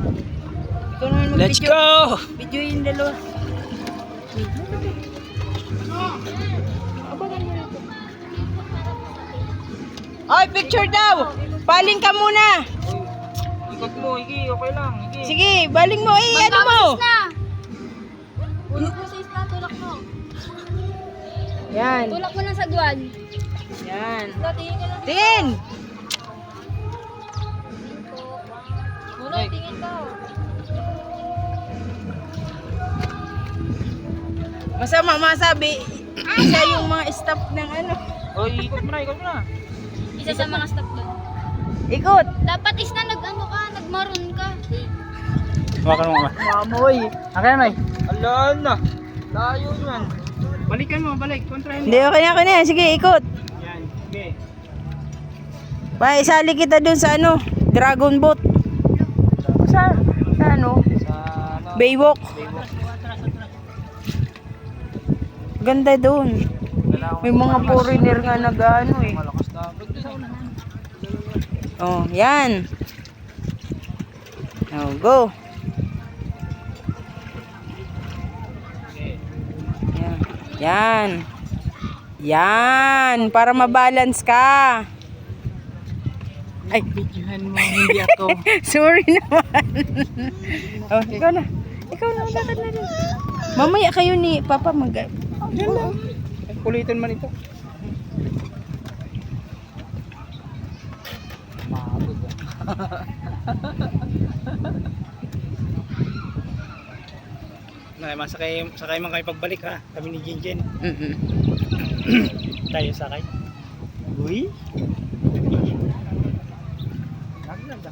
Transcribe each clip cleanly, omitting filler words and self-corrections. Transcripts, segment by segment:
Ikaw naman Let's mag-video. go! Video yung dalawa. Oy, picture daw! Baling ka muna! Ikot mo, Iki. Okay lang. Iki. Sige, baling mo. Ano mo? Tulak mo sa isla, tulak mo. Yan. Tulak mo ng sagwan. Yan. Tingin ka lang. Tingin! Munoy, tingin ka. Masama masabi, siya yung mga staff ng ano. Oy, ikot mo na, ikot mo na. Isa sa mga staff doon. Ikot! Dapat is na nagmaroon ka. Hawakan mo nga. Mamoy! Akin na, ala na. Layo yan. Balikan mo, balik. Kontrahin Hindi, okay na. Sige, ikot. Yan, sige. Isali kita dun sa ano, Dragon Boat. Sa ano? Sa ano? Baywalk. Ganda dun. May mga foreigner nga nag-ano eh. Malakas na. Oh, yan. Oh, go. Yan. Yan. Yan. Para mabalance ka. Ay, Videohan mo, hindi ako. sorry naman. Oh, ikaw na. Ikaw na, lakad na rin. Mamaya kayo ni Papa mag... Kulitin man ito. Mabot yan. Sakay man kayo pagbalik ha. Kami ni Jinjen. Tayo sakay. Uy. Naglag.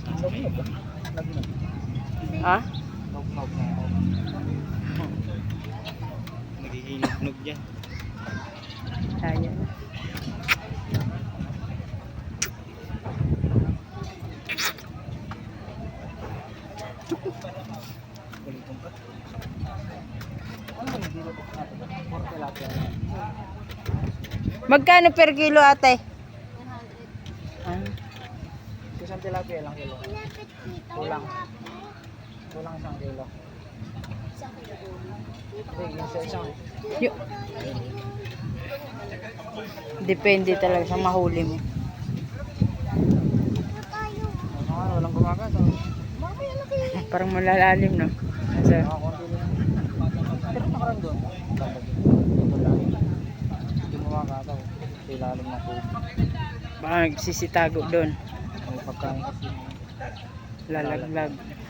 Ha? Nagiging nugnog dyan. Ayan. Kulitin pa. Ano ba yung dilo ko? Magkano per kilo, ate? Isang tilapia lang kilo. Kulang. Kulang isang kilo. Isang. Yo. Depende talaga sa mahuli mo. Walang gumagas. Parang malalalim, no? Kasi, Pero nakaraan doon. Ito lang. Hindi gumagas. Ilalim na po. baka nagsisitago doon. May pagkain kasi. Lalaglag.